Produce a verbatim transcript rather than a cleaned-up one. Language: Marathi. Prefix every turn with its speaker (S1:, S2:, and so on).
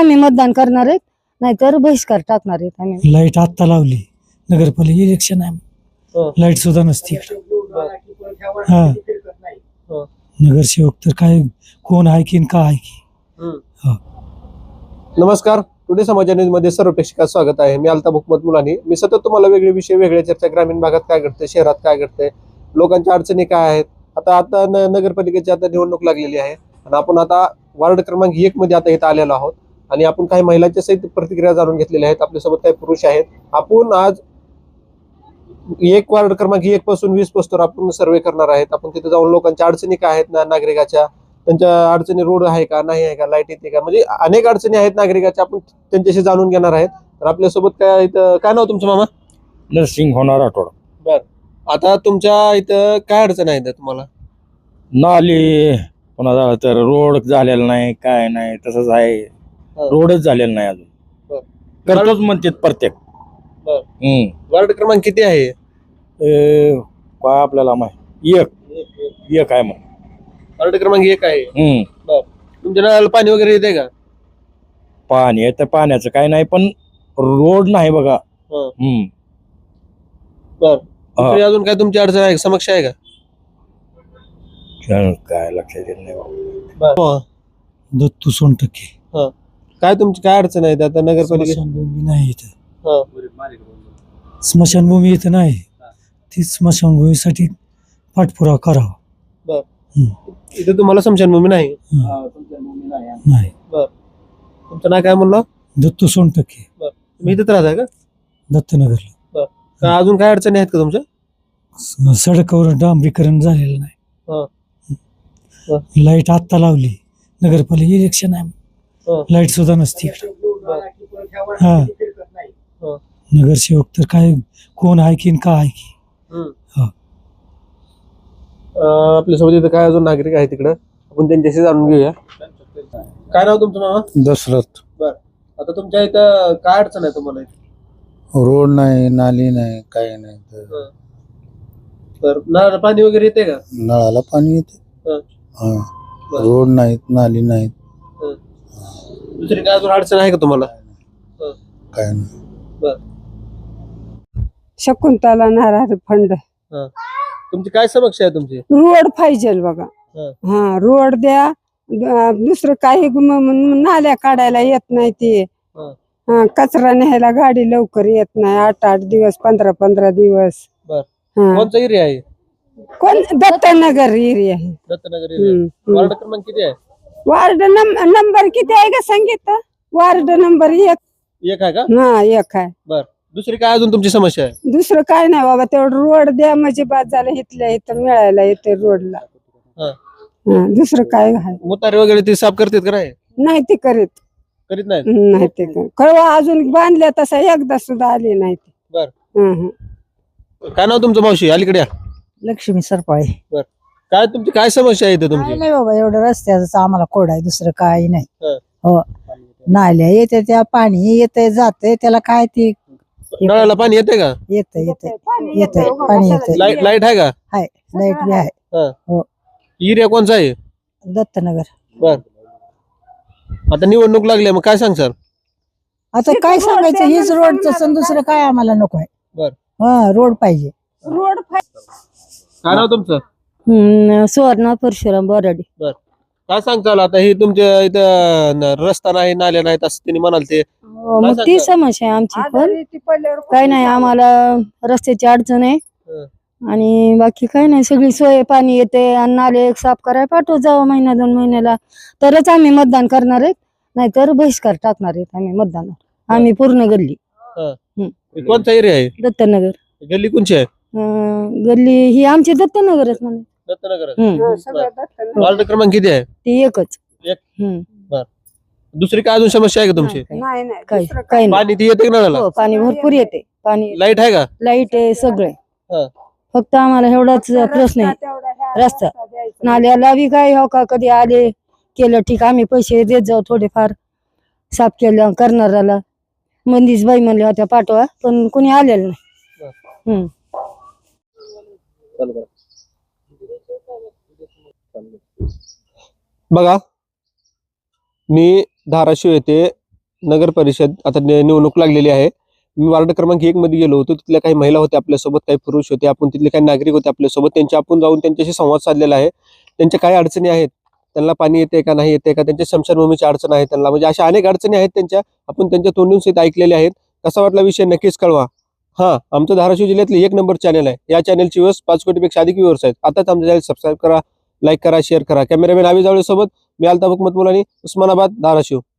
S1: आम्ही मतदान करणार आहेत, नाहीतर बहिष्कार टाकणार आहेत आम्ही.
S2: लाईट आत्ता लावली, नगरपालिका इलेक्शन आहे, लाईट सुद्धा नसती इकडं. हा नगरसेवक तर काय कोण आहे की का आहे की.
S3: नमस्कार, टुडे समाचार न्यूज मध्ये सर्व प्रेक्षकांचं स्वागत आहे. मी अल्ताफ हुकमत मुलानी. मी सतत तुम्हाला वेगळे विषय, वेगळ्या चर्चा, ग्रामीण भागात काय घडते, शहरात काय घडते, लोकांच्या अडचणी काय आहेत. आता आता नगरपालिकेची आता निवडणूक लागलेली आहे आणि आपण आता वार्ड क्रमांक एक मध्ये आता इथं आलेलो आहोत आणि आपण काही महिलांच्या सहित प्रतिक्रिया जाणून घेतलेल्या आहेत. आपल्यासोबत काही पुरुष आहेत. आपण आज एक वार्ड क्रमांक एक पासून वीस पासून आपण सर्वे करणार आहेत. आपण तिथे जाऊन लोकांच्या अडचणी काय आहेत ना, नागरिकाच्या त्यांच्या अडचणी, रोड आहे का, नाही आहे का, लाईट येते का, म्हणजे अनेक अडचणी आहेत नागरिकाच्या, आपण त्यांच्याशी जाणून घेणार आहेत. तर आपल्यासोबत काय इथं, काय नाव तुमचं मामा?
S4: नरसिंग होणार आठवडा.
S3: बर, आता तुमच्या इथं काय अडचण आहे तुम्हाला?
S4: नाली पुन्हा झालं तर रोड झालेला नाही, काय नाही, तसंच आहे. रोडच झालेला नाही अजून.
S3: बर.
S4: करतोच म्हणतात प्रत्येक.
S3: बर.
S4: हम्म
S3: वार्ड क्रमांक किती आहे?
S4: ए, काय आपल्याला माहिती, एक एक आहे मग.
S3: वार्ड क्रमांक एक आहे.
S4: हम्म
S3: बर. तुमच्या नळाला पाणी वगैरे येते का?
S4: पाणी आहे तर पाण्याचं काय नाही, पण रोड नाही बघा.
S3: हं.
S4: हम्म
S3: बर. दुसरी अजून काय तुमची अडचण आहे, समस्या आहे का?
S4: काय लक्षात येत नाही बाबा.
S3: बर.
S2: दत्तू सोनटक्के.
S3: काय तुमची काय अडचण आहे आता नगरपालिकेत?
S2: स्मशानभूमी नाही इथं,
S3: हं.
S2: स्मशानभूमी इथं नाही. ती स्मशानभूमीसाठी पाठपुरावा करावा.
S3: बर.
S2: हम्म.
S3: इथे तुम्हाला स्मशानभूमी नाही?
S2: हं. नाही.
S3: बर. तुमचं नाव काय म्हणलं?
S2: दत्तू सोनटक्के,
S3: तुम्ही इथेच राहता का?
S2: दत्तनगरला.
S3: का अजून काय अडचणी आहेत का तुमच्या?
S2: स- सडकावर डांबरीकरण झालेलं नाही.
S3: हं.
S2: लाईट आत्ता लावली, नगरपालिका इलेक्शन आहे,
S3: हं.
S2: लाईट सुद्धा नसती इकडं. हा
S3: हं.
S2: नगरसेवक तर काय कोण आहे की का आहे की.
S3: हं. अं, आपल्यासोबत इथं काय अजून नागरिक आहेत तिकडं, आपण त्यांच्याशी जाणून घेऊया. काय नाव तुमचं मामा?
S5: दशरथ.
S3: बर. आता तुमच्या इथं काय अडचण आहे तुम्हाला इथं?
S5: रोड नाही, नाली नाही, काही नाही. तर
S3: तर नळाला पाणी वगैरे येते का?
S5: नळाला पाणी येते.
S3: हं.
S5: हा.
S3: बर.
S5: रोड नाहीत, नाली नाहीत,
S3: हं. दुसरी काय अजून अडचण आहे का तुम्हाला? हं.
S5: काय नाही.
S3: बर.
S6: शकुंतला नारायण फंड.
S3: हं. तुमची काय समस्या आहे तुमची?
S6: रोड पाहिजे बघा.
S3: हं.
S6: हा रोड द्या. द- दुसरं काही म- म- नाल्या काढायला येत नाही ते.
S3: हं.
S6: हा, कचरा न्यायला गाडी लवकर येत नाही. आठ आठ दिवस, पंधरा पंधरा दिवस.
S3: बर.
S6: हा.
S3: कोणचा एरिया आहे?
S6: कोण? दत्तनगर एरिया आहे.
S3: दत्तनगर एरिया.
S6: हम्म, हम्म.
S3: वार्ड क्रमांक किती आहे?
S6: वार्ड नंब- नंबर किती आहे का सांगितलं? वार्ड नंबर एक.
S3: एक आहे का?
S6: हा एक आहे.
S3: बर. दुसरी काय अजून तुमची समस्या आहे?
S6: दुसरं काय नाही बाबा, तेवढं रोड द्या म्हणजे बाद झालं. इथल्या इथं मिळायला येते रोडला.
S3: हं.
S6: हा, दुसरं काय आहे
S3: मुतारे वगैरे ते साफ करतात का नाही?
S6: नाही ते करीत.
S3: करीत नाही.
S6: नाही ते काय कळवा अजून बांधल्या तसा एकदा सुद्धा आली नाही ते.
S3: बर.
S6: हं, हं.
S3: काय नाव तुमचं मावशी? अलीकडे या.
S7: लक्ष्मी सरपाळे.
S3: काय तुमची काय समस्या आहे इथं
S7: काय
S3: तुमची?
S7: नाही बाबा, एवढं रस्त्याचं आम्हाला कोड आहे, दुसरं काही नाही.
S3: हं.
S7: हो, नाल्या येते, त्या पाणी येते जाते, त्याला काय ते
S3: नळाला पाणी येते का?
S7: येते येते येते पाणी येते.
S3: लाईट लाईट आहे का?
S7: हाय, लाईट बी आहे.
S3: एरिया कोणचा आहे?
S7: दत्तनगर.
S3: बर. आता निवडणूक लागली मग काय सांग सर?
S7: आता काय सांगायचं, हेच रोडचं सण, दुसरं काय आम्हाला नको आहे.
S3: बर.
S7: हा, रोड पाहिजे.
S6: रोड
S3: काय नाव तुमचं?
S1: हम्म, सुवर्णा परशुराम बोराडे.
S3: बर. काय सांगताल आता हे तुमच्या इथं न- रस्ता नाही, नाल्या नाहीत असं त्यांनी म्हणाल ते?
S1: हो, मग ती समस्या आहे आमची पण. काय नाही, आम्हाला रस्त्याची अडचण आहे
S3: हं.
S1: आणि बाकी काय नाही. सगळी सोय, पाणी येते आणि नाले एक साफ करायला पाठवत जावं महिना दोन महिन्याला, तरच आम्ही मतदान करणार आहेत, नाहीतर बहिष्कार टाकणार आहेत आम्ही मतदानावर. आम्ही पूर्ण गल्ली
S3: हे कोणचा एरिया आहे?
S1: दत्तनगर.
S3: गल्ली कोणची आहे?
S1: अं, गल्ली ही आमची दत्तनगरच म्हणे.
S3: दत्तनगर.
S1: हम्म.
S3: वार्ड क्रमांक किती आहे?
S1: ती एकच.
S3: एक.
S1: हम्म.
S3: दुसरी काय अजून समस्या आहे का तुमची?
S1: नाही,
S6: नाही नाही
S1: काय
S6: दुसरं
S1: काय नाही.
S3: पाणी ती येते का नळाला?
S1: हो, पाणी भरपूर येते. पाणी,
S3: लाईट आहे का?
S1: लाईट आहे, सगळे.
S3: हं.
S1: फक्त आम्हाला एवढाच प्रश्न आहे, रस्ता. नाल्याला बी काय हो का, कधी आले केलं ठीक, आम्ही पैसे देत जाऊ थोडेफार, साफ केलं करणाऱ्याला. मंदीच बाई म्हणल्या होत्या पाठवा, पण कोणी आलेलं नाही. हम्म.
S3: बघा, मी धाराशिव येथे नगर परिषद आता नि- निवडणूक लागलेली आहे. मी वार्ड क्रमांक एक मध्ये गेलो होतो. तिथल्या काही महिला होत्या आपल्यासोबत, काही पुरुष होते, आपण तिथले काही नागरिक होते आपल्यासोबत. त्यांच्या आपण जाऊन त्यांच्याशी संवाद साधलेला आहे. त्यांच्या काय अडचणी आहेत, त्यांना पाणी येते का नाही येते का, त्यांच्या स्मशानभूमीची अडचण आहे त्यांना, म्हणजे अशा अनेक अडचणी आहेत त्यांच्या, आपण त्यांच्या तोंडून सहित ऐकलेल्या आहेत. कसा वाटला विषय नक्कीच कळवा. हा, आमचं धाराशिव जिल्ह्यातले एक नंबर चॅनल आहे. या चॅनलची व्ह्यूज पाच कोटीपेक्षा अधिक व्ह्यूअर्स आहेत. आताच आमच्या चॅनल सबस्क्राईब करा, लाईक करा, शेअर करा. कॅमेरामॅन आवी जावळे सोबत मी अल्ताफ हुकमत मुलानी, उस्मानाबाद, धाराशिव.